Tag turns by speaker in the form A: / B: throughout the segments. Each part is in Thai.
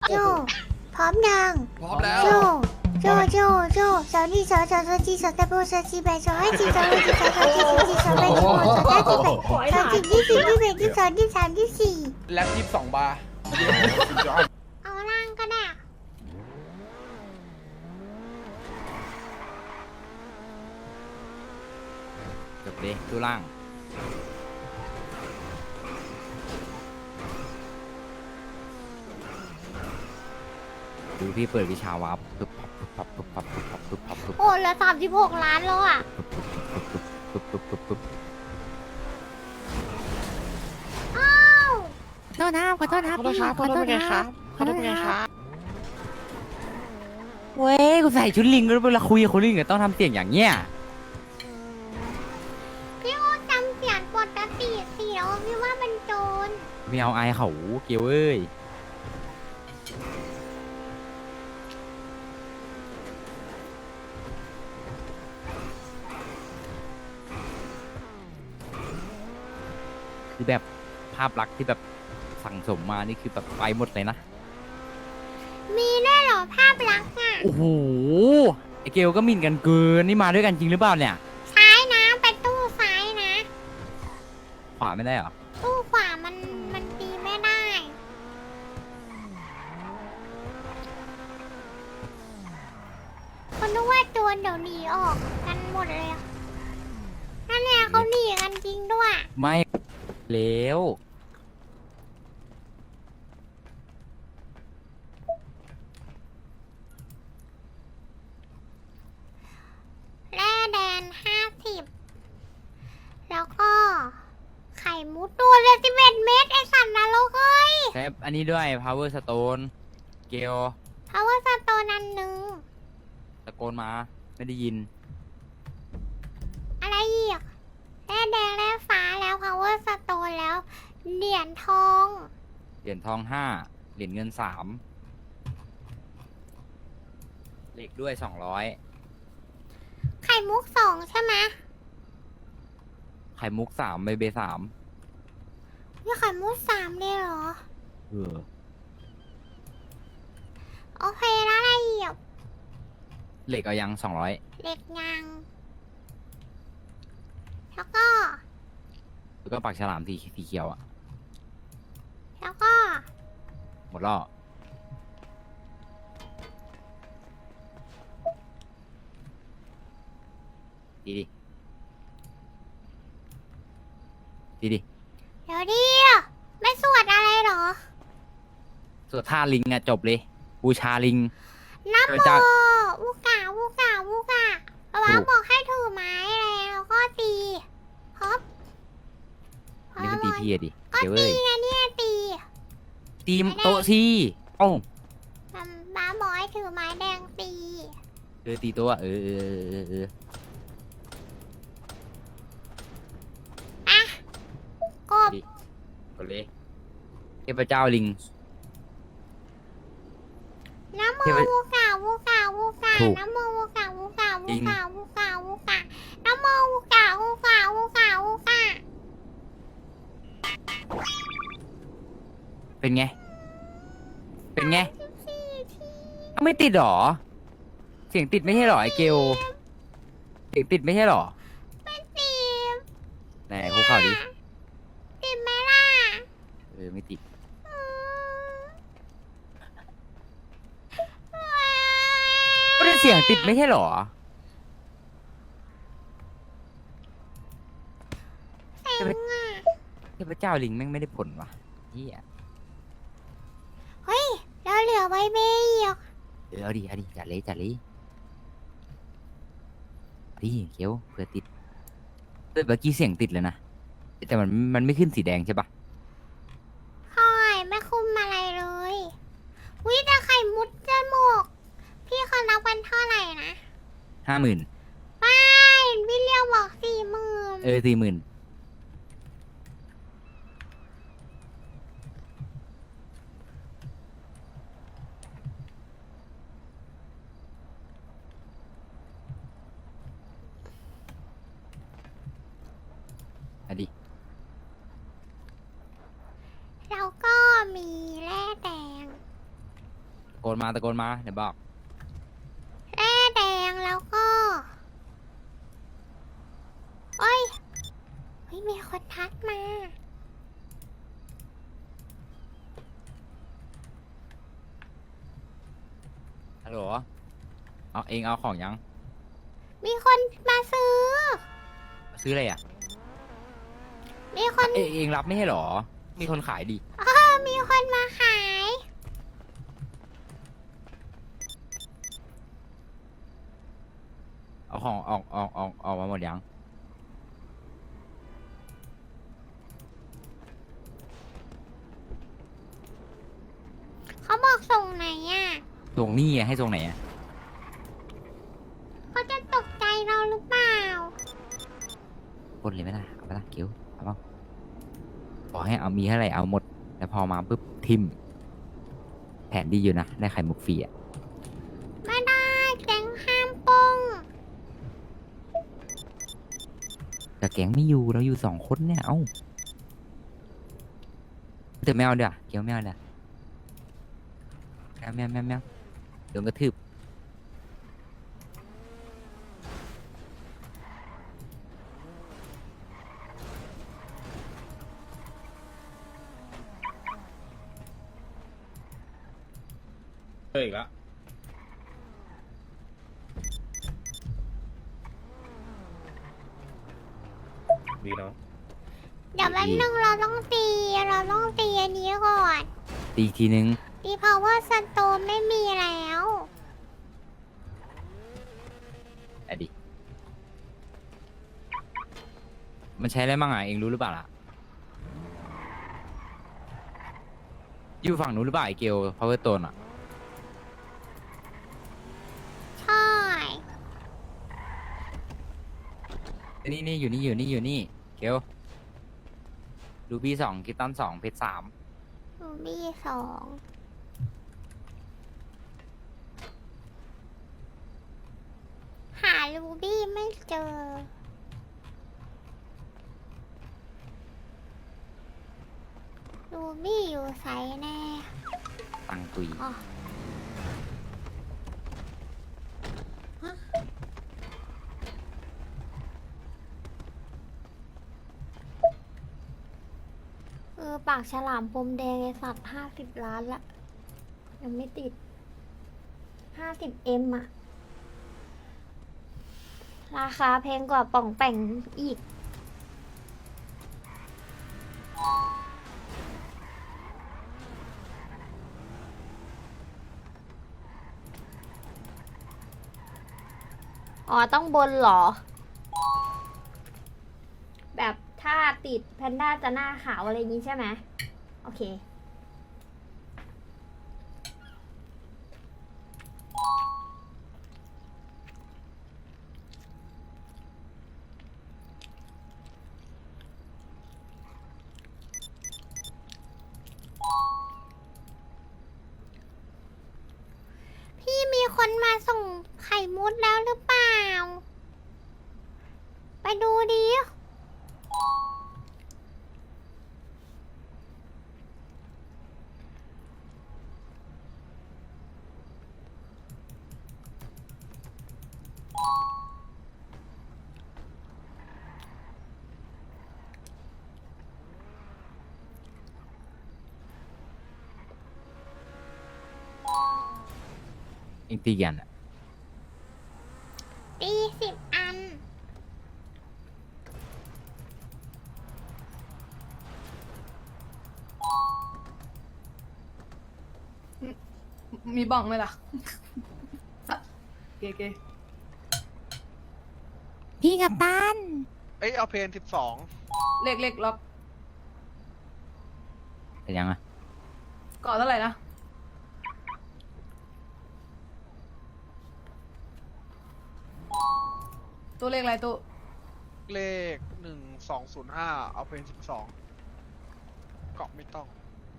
A: โจพร้อมยัง
B: พร้อมแล้ว
A: โจโจสาวนี่สาวจีสาวตะโบสาวจีแบสาวให้จีสาวให้จีสาวจีสาวแบสาวสาวจีแบสาวจีที่สี่ที่แบที่สองที่สามที่สี่
B: แล็บ22 บาร์
A: เอาล่างก็ได้
C: จบเลยตู้ล่างดูพี่เปิดวิชาวับปึ๊บปั๊บปึ๊บปั๊บปึ๊บปั๊บปึ๊บปั๊บปึ๊บ
A: โอ้เหลือ36 ล้านแล้วอ่ะ
C: ปึ๊บปึ๊บปึ๊บปึ๊บ
A: อ้าว
D: ขอโทษนะครับขอโทษนะครับ
B: ขอโทษครับขอโทษไงครับ
C: เว้ยกูใส่ชุดลิงแล้วเวลาคุยกับคนลิงก็ต้องทำเสียงอย่างเงี้ย
A: พี่โอจำเสียงปกติสิแล้วพี่ว่ามันโจร
C: ไม่เอาไอายเขาเกียวเอ้ยคือแบบภาพลักษณ์ที่แบบสั่งสมมานี่คือแบบไปหมดเลยนะ
A: มีได้เหรอภาพลักษณ์อ่ะ
C: โอ้โห ไอเกลก็หมิ่นกันเกิน นี่มาด้วยกันจริงหรือเปล่าเนี่ย
A: ซ้ายนะไปตู้ซ้ายนะ
C: ขวาไม่ได้เหรอ
A: ตู้ขวามันตีไม่ได้ คนนึกว่าโจรเดี๋ยวหนีออกกันหมดเลยอะนั่นเนี่ยเขาหนีกันจริงด้วย
C: ไม่แล้ว
A: แร่แดน50 แล้วก็ไข่มุดตัวเลย11 เม็ดไอสัตว์นรกเอ้ย
C: ใช้อันนี้ด้วย power stone เกล
A: เพราะว่าสโตนอันหนึ่ง
C: ตะโกนมา ไม่ได้ยิน
A: อะไรอีกแร่แดงแร่ฟ้าแล้ว power stone แล้ว เหรียญทอง
C: เหรียญทอง5 เหรียญเงิน3เหล็กด้วย200
A: ไข่มุก2ใช่ไหม
C: ไข่มุก3ใบเบ3
A: มีไข่มุก3เลยเหรอ
C: เออ
A: โอเคแล้วอะไรอีก
C: เหล็กเอายัง200
A: เหล็กยาง แล้วก็
C: แล้วก็ปักฉลามสีเขียวอะ
A: แล้วก็
C: หมดแล้วดีดิดีดิ
A: เดี๋ยวดิไม่สวดอะไรเหรอ
C: ส่วนท่าลิงอะจบเลย บูชาลิง
A: นับ
C: เออ
A: โม
C: จ้ะ
A: วูกาวูกาวูกาป๊าป๊าบอกให้ถือไม้แล้วก็ตีฮอป
C: อันนี้มันตีพี่อะดิ
A: ก็
C: เดี๋ยวเอ้
A: ตี
C: ย
A: ไงเนี่ยตี
C: ตีมโต๊ะสิเอ้า
A: ป๊าบอกให้ถือไม้แดงตี
C: ตีโต๊ะอะเออ
A: อ่ะกบ
C: ดิกดเลยเทพเจ้าลิง
A: น้ำโม
C: เทพ
A: วูกาวูกาวูกา
C: ถูก
A: น้ำโมวูกาวูกา
C: จริ
A: วู
C: ง
A: กาวูกาวูกาน้ำโมวูกาวูกาวูกาวูกา
C: เป็นไง เป็นไง
A: สี่ที
C: อ้าวไม่ติดหรอ เสียงติดไม่ใช่หรอไอเกลเสียงติดไม่ใช่หรอ
A: เป็นตี
C: ไหนคุกเข่าดิ
A: ติดไหมล่ะ
C: ไม่ติด ก็ได้เสียงติดไม่ใช่หรอ
A: เซ็งอ่ะ
C: เทพเจ้าลิงแม่งไม่ได้ผลว่ะเฮีย
A: เฮ้ยเราเหลือไว้เบย์อีก
C: เอาดิจัดเลยเอาดิเขียวเผื่อติดเมื่อกี้เสียงติดเลยนะ แต่มันไม่ขึ้นสีแดงใช่ปะ
A: ค่อยไม่คุมอะไรเลยวิแต่ไข่มุดจมูกพี่เขานับวันเท่าไหร่นะ
C: 50,000
A: ไม่พี่เลี้ยวบอก40,000
C: 40,000อะดิ
A: แล้วก็มีแร่แดง
C: โกนมาตะโกนมาเดี๋ยวบอก
A: แร่แดงแล้วก็โอ้ยเฮ้ยมีคนทักมา
C: ฮัลโหลเอาเองเอาของยัง
A: มีคนมาซื้อ
C: ซื้ออะไรอ่ะ
A: มีคน
C: เองรับไม่ใช่หรอ มีคนขายดิ
A: มีคนมาขาย
C: เอาของออกมาหมดยัง
A: เขาบอกส่งไหนอ่ะ
C: ส่งนี่ไงให้ส่งไหนอ่ะ
A: เขาจะตกใจเราหรือเปล่า
C: ปล้นเลยไหมล่ะเอาไปละเกียวเอาเปล่าบอกให้เอามีเท่าไหร่เอาหมด แล้วพอมาปุ๊บทิม แผนดีอยู่นะ ได้ไข่มุกฟรีอ่ะ
A: ไม่ได้แก๊งห้ามปง
C: แต่แก๊งไม่อยู่เราอยู่2 คนเนี่ย เอ้าแต่ไม่เอาเดี๋ยวเกียวไม่เอาเดี๋ยวแมวโดนกระทืบ
E: เฮ้ยอีกแล้วดีเนาะ
A: เดี๋ยวแป๊บนึงเราต้องตีอันนี้ก่อน
C: ตีอีกทีนึง
A: ตี power stone ไม่มีแล้ว
C: อะดิ มันใช้อะไรบ้างอ่ะ เองรู้หรือเปล่าล่ะ อยู่ฝั่งนู้นหรือเปล่าไอเกลพาวเวอร์โตนอ่ะ
A: ใช่
C: นี่อยู่นี่เกลรูบี้2กิตตัน2เพชร3
A: รูบี้2หารูบี้ไม่เจอ รูบี้อยู่ไสแน่
C: ตังตุย
A: อ๋อปากฉลามปมแดงไอสัตว์50 ล้านละ ยังไม่ติด 50M อะราคาแพงกว่าป่องแป่งอีก อ๋อ ต้องบนเหรอ แบบถ้าติดแพนด้าจะหน้าขาวอะไรอย่างนี้ใช่ไหม โอเค พี่มีคนมาส่งไข่มุดแล้วหรือเปล่า ไปดูดิ
C: เองตีกันอ่ะ
A: ตี10 อัน
F: มีบ้องไหมล่ะ เก๋
D: พี่กับตัน
B: เอ้ยเอาเพน
F: ๆเล็กๆล็อก
C: แต่ยังอ่ะ
F: เกาะเท่าไหร่นะ ตัวเลขอะไรตัว
B: 12เลข1205เอาเพน12เกาะไม่ต้อง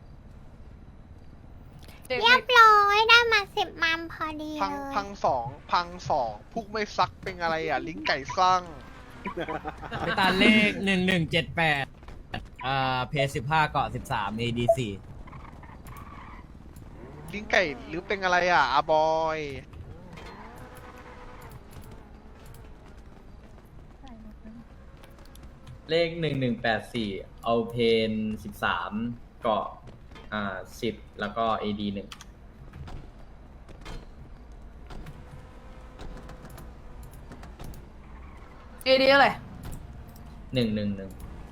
F: เด็ก
A: เรียบร้อยได้มา10 มัมพอดี
B: พัง
A: เลย
B: พังสองพุกไม่ซักเป็นอะไรอ่ะ ลิงไก่สร้าง
G: ไปตามเลข1178เพจ15เกาะ13 AD4
B: ลิ้นไก่หรือเป็นอะไรอ่ะอาบอย
H: เลข1184เอาเพน13เกาะ10แล้วก็ AD 1
F: เอดีอะไร
H: 111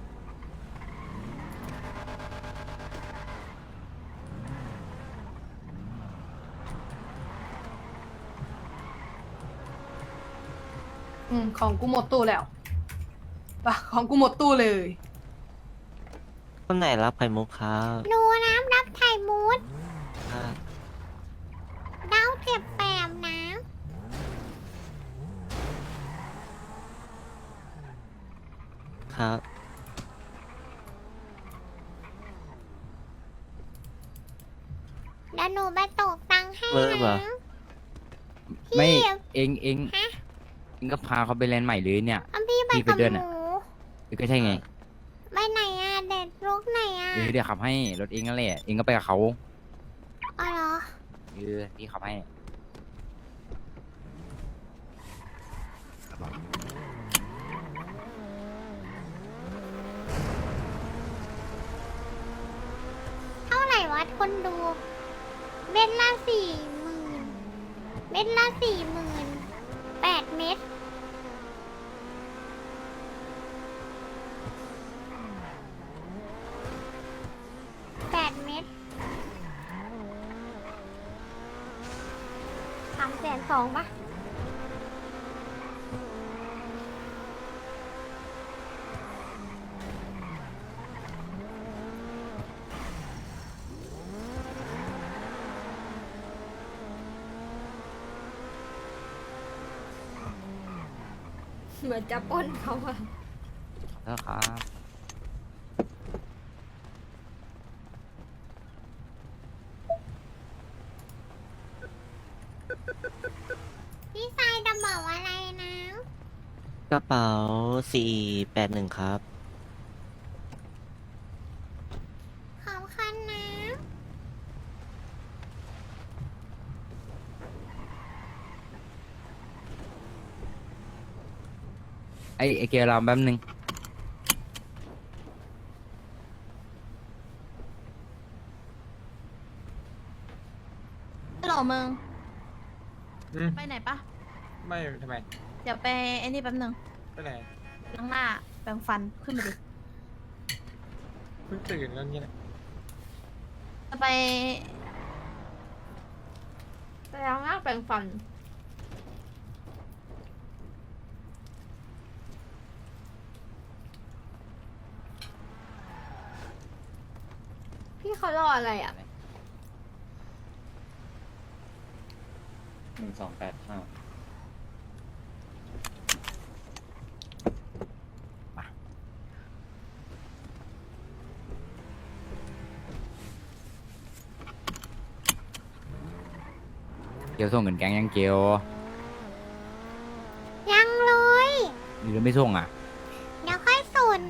F: ของกูหมดตู้แล้วปะของกูหมดตู้เลย
I: คนไหนรับไข่มุกครับ
A: หนูน้ำรับไข่มูด
I: ครับ
A: ดาวเจ็บแปมน้ำ
I: ครับ
A: เดี๋ยวหนูไปตกตังค์ให้
I: เบอร์เหรอ
A: นะ
C: ไม่
A: พี่
C: เองเอง
A: ฮะ
C: เองก็พาเขาไปแลนด์ใหม่เลยเนี่ย
A: เอาพี่ไป
C: พี่ไป
A: กับ
C: ด้วย
A: ห
C: น่ะ
A: นู
C: ก็ใช่ไง
A: ไปไหนอ่ะเด็ดลุกไหนอ่ะ
C: เดี๋ยวขับให้รถเองนั่นแหละเองก็ไปกับเขา
A: อ๋อเหรอ
C: พี่ขับให้
A: เท่าไหร่วะคนดูเม็ดละ40,000เม็ดละ40,000 8 เม็ด8 เม็ด320,000ปะเหมือนจะปล้นเขาอะ
C: แล้วครับ
A: พี่ชายจะบอกอะไรนะ
I: กระเป๋า481ครับ
A: ขอบคุณนะ
C: ไอเกียร์เราแป๊บนึง
D: ฮัลโหลมึง ไปไหนปะ
E: ไม่ทำไม
D: เดี๋ยวไปไอ้นี่แป๊บนึง
E: ไปไหน
D: ล้างหน้าแปรงฟันขึ้นมาดิ
E: เพิ่งตื่นแล้วเนี่ย
D: จะไปล้างหน้าแปรงฟัน
A: พี่เขารออะไรอ่ะ
H: 1285
C: เกียวส่งเงินแกงยังเกียว
A: ยังเลย
C: หรือไม่ส่งอ่ะ
A: เดี๋ยวค่อยสุน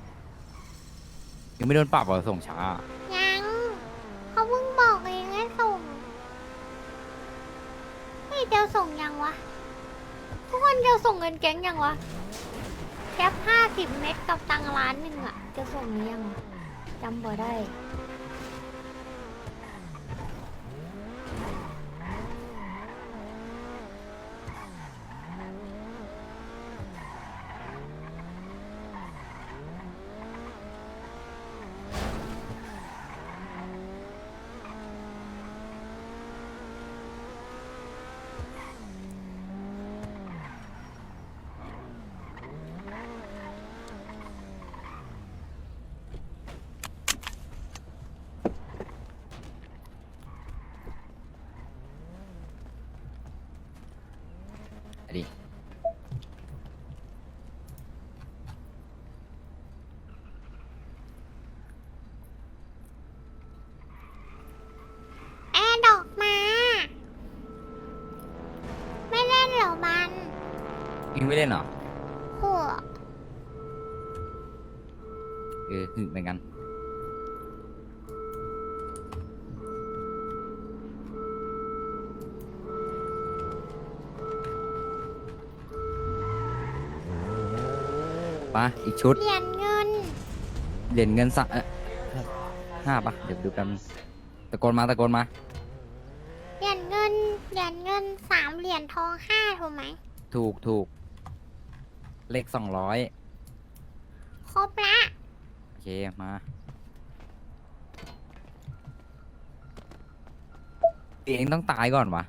C: ยังไม่โดนปรับเหรอส่งช้า
A: ยังเขาเพิ่งบอกเองให้ส่งเฮ้ยเดี๋ยวส่งยังวะ ทุกคนเดี๋ยวส่งเงินแก๊งยังวะแคป50 เม็ดกับตังค์1,000,000อะจะส่งหรือยังอะจำบ่ได้
C: อันนี้
A: แอร์ดอกมา ไม่เล่นเหรอมัน
C: เองไม่เล่นเหรอ
A: หัว
C: หึเหมือนกันปะอีกชุด
A: เหรียญเงิน
C: เหรียญเงินสัก5ปะเดี๋ยวดูกันตะโกนมา
A: เหรียญเงิน3 เหรียญทอง5ถูกไหม
C: ถูกเลข200
A: ครบละ
C: โอเคมาเองต้องตายก่อนวะ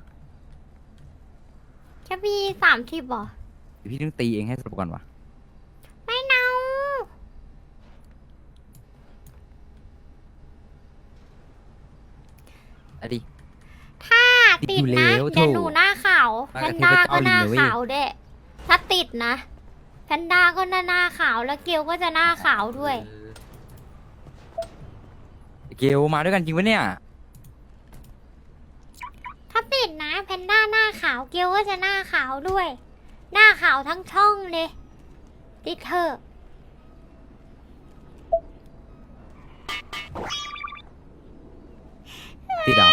A: จะมี30เหรอ
C: เดี๋ยวพี่ต้องตีเองให้สลบก่อนวะ
A: ไม่เอา
C: อะดิ
A: ถ้าติดนะ
C: ติดอยู่แล้ว
A: เดี๋ยวหนูหน้าขาว
C: มา
A: แพ
C: กับ
A: นด้า
C: เทพเจ้า
A: ก็หน้า
C: ลิงเลยเว้ย
A: ขาวเด้ถ้าติดนะแพนด้าก็หน้าขาวแล้วเกลก็จะหน้าขาวด้วย
C: เกลมาด้วยกันจริงปะเนี่ย
A: ถ้าติดนะแพนด้าหน้าขาวเกลก็จะหน้าขาวด้วย หน้าขาวทั้งช่องเลยติดเถอะ
C: ติดเหรอ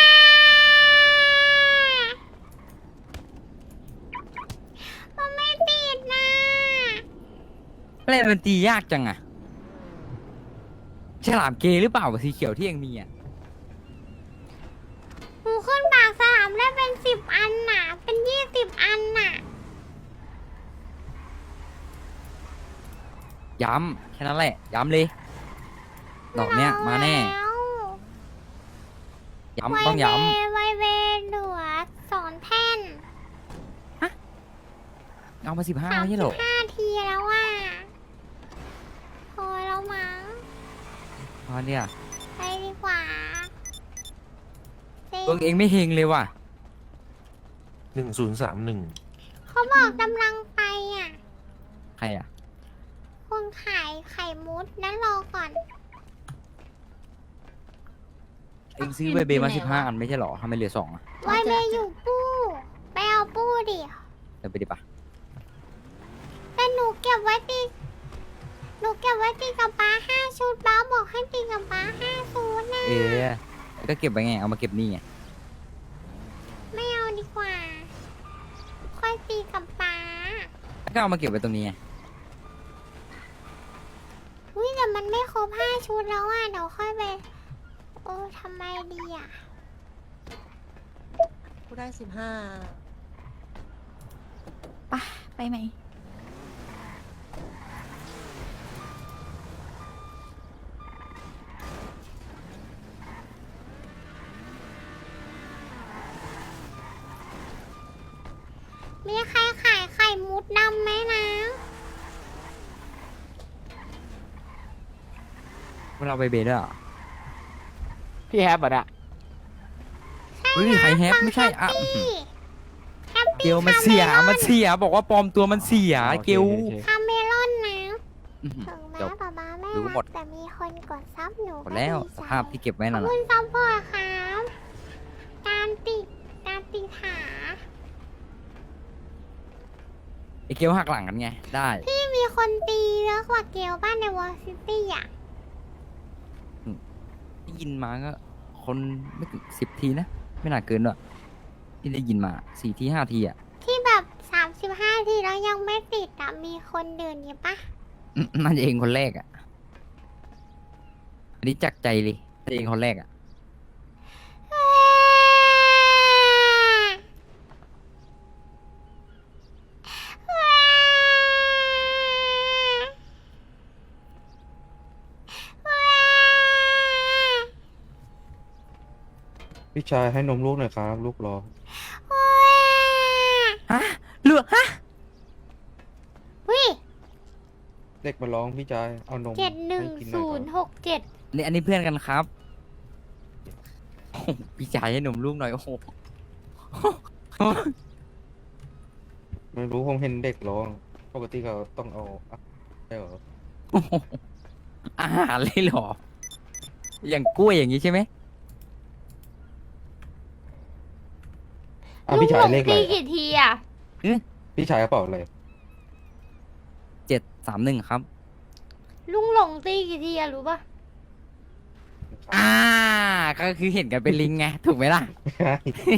A: มันไม่ติดนะ
C: อะไรมันตียากจังอะฉลามเกย์หรือเปล่ากับสีเขียวที่เองมีอะ
A: หนูขึ้นปากสลามได้เป็น10 อันน่ะ เป็น20 อันน่ะ
C: ย้ำแค่นั้นแหละ ย้ำเลย ดอกเนี้ยมาแน่ ย้ำต้องย้
A: ไวเวเหลือ2 แท่น
C: ำเอามา15ไม่ใช่เหรอ
A: 35 ทีแล้วอ่ะพอแล้วมั้ง
C: พอเนี่ย
A: ไปดีกว่าเซ็
C: ตัวเองไม่เฮงเลยว่ะ
E: 1031
A: เขาบอกกำลังไปอ่ะ
C: ใครอะ
A: คนขายไข่มุดนั้นรอก่อน
C: เองซื้อเบเบมา15 อันไม่ใช่เหรอทำไมเหลือ2อะ
A: ไวเวอยู่ปู้ ไปเอาปู้ดิ
C: เดี๋ยวไปดิปะ
A: แต่หนูเก็บไว้ตีกับป้า5 ชุดป้าบอกให้ตีกับป้า5 ชุดนะ
C: ก็เก็บไว้ไง เอามาเก็บนี่ไง
A: ไม่เอาดีกว่า ค่อยตีกับป้า
C: ก็เอามาเก็บไว้ตรงนี้ไง
A: อุ้ยแต่มันไม่ครบ5 ชุดแล้วอ่ะเดี๋ยวค่อยไป โอ้ทำไมดีอ่ะ
F: กูได้15
D: ไปไหม
A: มีใครขายไข่มุดดำไหมนะ
C: เราไปเบด้วยเหรอ
B: พี่แฮปอ่ะ
C: เฮ้ยใครแฮปไม่ใช่อ่ะ
A: แฮป
C: เก
A: ปี้
C: ลมันเสีย บอกว่าปลอมตัวมันเสีย เกล
A: คาเมลอนนะ
C: อื้อหือ
A: ถึงแม้
C: จบ
A: ป๊าป๊าไม่
C: รู้หม
A: รั
C: ด
A: กแต่มีคนกดซับหนู
C: หมดแล้ว
A: ก็ดี
C: ส
A: ใจ
C: ภาพที่เก็บไว้
A: ขอ
C: นั่
A: บ
C: น
A: คุ
C: น่ะ
A: ณซัพพอร์ตครับการติดขา
C: ไอเกลหักหลังกันไง ได้
A: ที่มีคนตีเยอะกว่าเกลบ้านในวอลซิตี้อ่ะ
C: ได้ยินมาก็ คนไม่ถึง10 ทีนะ ไม่น่าเกินด้วยที่ได้ยินมา4 ที 5 ทีอ่ะ
A: ที่แบบ35 ทีแล้วยังไม่ติดอ่ะ มีคนเดินอยู่ปะ
C: น่าจะเองคนแรกอ่ะ อันนี้จากใจเลยแต่เองคนแรกอ่ะ
E: พี่ชายให้นมลูกหน่อยครับ ลูกรอ
C: ฮะเหลือฮะ
A: วิ
E: เด็กมาร้องพี่ชาย เอานมให้กินหน่อยครับ
A: 71067
C: อันนี้เพื่อนกันครับโอ้โหพี่ชายให้หนุ่มลูกหน่อย โอ้โห
E: ไม่รู้ผมเห็นเด็กร้อง ปกติเขาต้องเอาใช่เหรอ
C: โอ้โหอาหารเลยเหรอ อย่างกล้วยอย่างนี้ใช่ไหม
E: พี่ชายเลขอะไร
A: ตีกี่ทีอ่ะ
E: พี่ชายกระเป๋าอะไร
C: 731 ครับ
A: ลุงหลงตีกี่ทีอะรู้ปะ
C: ก็คือเห็นกันเป็นลิงไง ถูกไหมล่ะ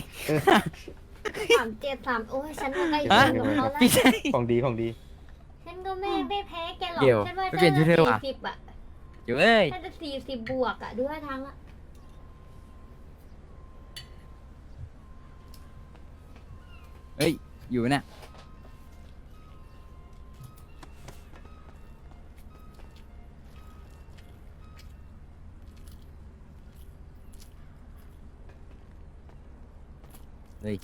A: 373โอ้ยฉันก็ใกล้
C: ฮะ
A: เคียงกับเขาแล้ว
C: พี่ชาย
E: ของดีของดี
A: ฉันก็ไม่แพ้แกหรอก
C: เดี๋ยว
A: ฉันว่า
C: ไม่เปลี่ยนชุดเธอว่ะ
A: 40อ่ะ
C: เดี๋ยวเอ้ย
A: น่าจะ40บวกอ่ะดูท่าทางละ
C: เฮ้ย อยู่เนี่ยเฮ้ย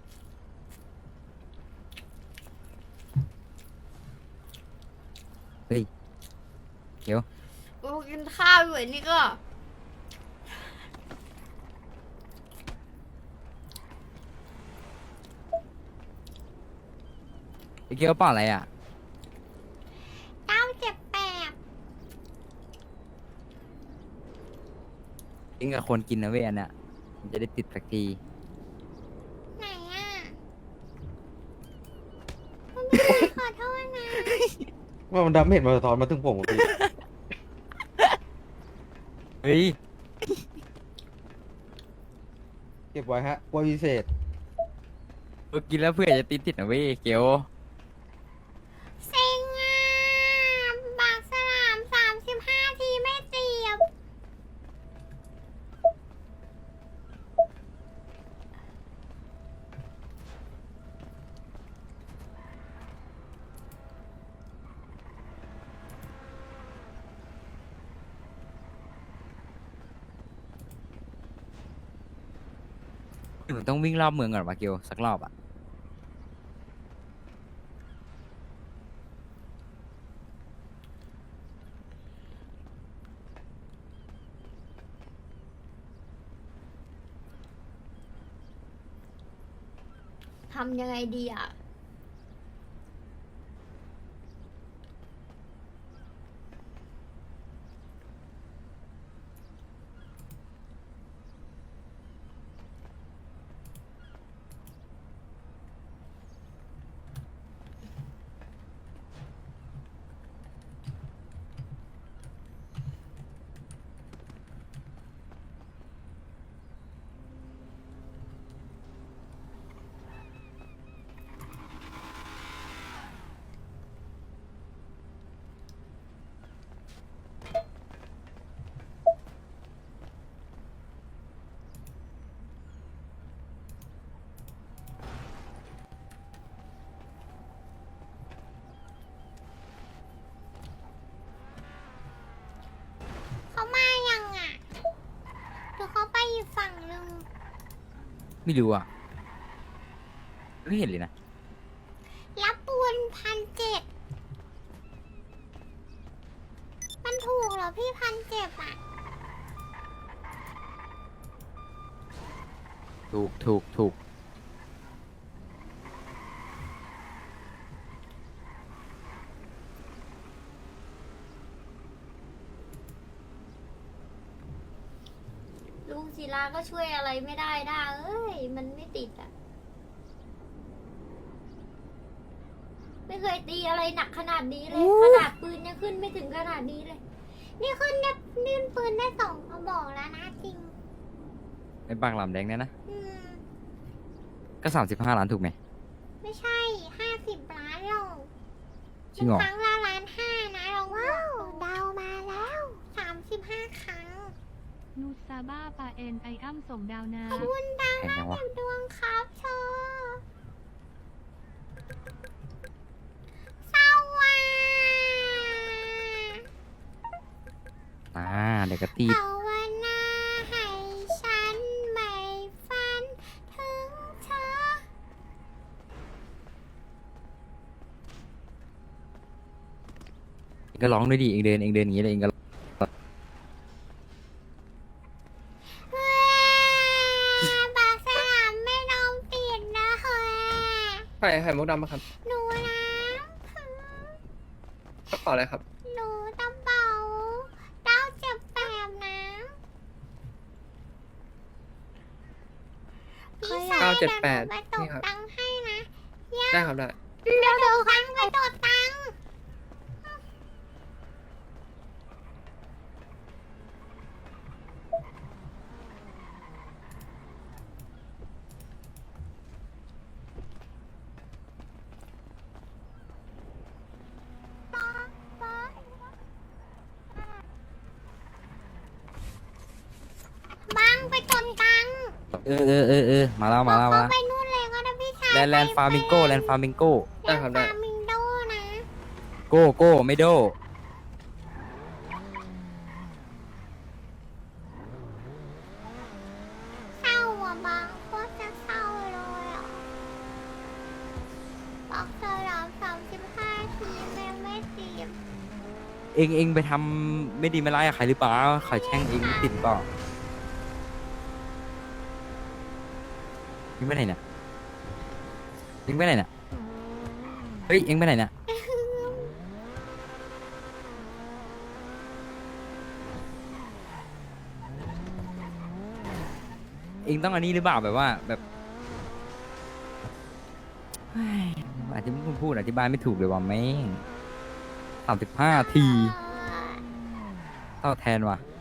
C: เฮ้ย เดี๋ยว
D: กูกินข้าวอยู่ไอ้นี่ก็
C: ไอ้เกียวเปล่าอะไรอ่ะ
A: 978
C: กินกับคนกินนะเว้ยอันน่ะมันจะได้ติดสักที
A: ไหนอ่ะคุณพี่ขอโทษนะ
E: ว่ามันดำเห็นมาสะท้อนมาถึงผมอะพี่
C: เฮ้ย
E: เก็บไว้ฮะกล้วยพิเศษ
C: กินแล้วเพื่อจะติดนะเว้ยเกียว
A: เซ็งอ่ะปากสลาม35 ทีไม่เจียบ
C: หนูต้องวิ่งรอบเมืองก่อนวะเกียวสักรอบอ่ะ
A: ทำยังไงดีอ่ะ เขามายังอ่ะหรือเขาไปอีกฝั่งหนึ่ง
C: ไม่รู้อ่ะ ไม่เห็นเลยนะ
A: รับปูน1,700มันถูกเหรอพี่1,700อ่ะ
C: ถูก
A: ลุงศิลาก็ช่วยอะไรไม่ได้ด้าเอ้ย มันไม่ติดอ่ะ ไม่เคยตีอะไรหนักขนาดนี้เลย ขนาดปืนยังขึ้นไม่ถึงขนาดนี้เลย นี่ขึ้นได้นี่ปืนได้2 กระบอกแล้วนะจริง
C: ไอ้ปากหลามแดงเนี่ยนะ
A: อืม
C: ก็35 ล้านถูกไหม
A: ไม่ใช่ 50 ล้านหรอก
C: จริงเหรอ
A: ครั้งละ1,500,000นะเราว้าวเดามาแล้ว 35 ครั้ง
J: นูซาบ้าปาเอ็นไออ้ำส่งดาวนา
A: ขอบคุณดาว
C: แพงจังวะ
A: ดวงครับเธอเศร้าว่ะ
C: เดี๋ยวก็ตีด
A: ภาวนาให้ฉันไม่ฝันถึงเธอ
C: เองก็ร้องด้วยดิเองเดินอย่างนี้เลยเองก็
A: ปากสลามไม่ลองติดนะเฮ้ย
E: ไข่มุกดำมาครับ
A: หนูนะ
E: กระเป๋าอะไรครับ
A: หนูตะเบา978นะพี่ชาย
E: 978
A: เดี๋ยวหนูไปต
E: นี่
A: ก
E: ครับ
A: ตังค์ให้นะ
E: ได้ครับได้
A: เดี๋ยวหนูครั้งไปตกตังค์
C: มาแล้วมาแล้วมา
A: เข้า
C: แล้ว
A: ไปนู่นเลยก็ได้พี่ชาย
C: แลนด์ฟาร์มิงโกแลนด์ฟาร์มิงโก
E: ได้ครับได้
A: ฟาร์มิงโดนะ
C: โก้โก้ไม่โด
A: เศร้าอ่ะบางโคตรจะเศร้าเลยอ่ะบอกเธอแล้ว35 ทีแม่ไม่ตีบ
C: เองไปทำไม่ดีไม่ร้ายกับใครหรือเปล่าใครแช่งเองติดเปล่าเองไปไหนเนี่ยเองไปไหนเนี่ยเฮ้ยเองไปไหนเนี่ยเองต้องอันนี้หรือเปล่าแบบว่าแบบเฮ้ยอาจจะไม่พูดอธิบายไม่ถูกเลยว่าแม่ง35 ทีเท่าแทนว่ะ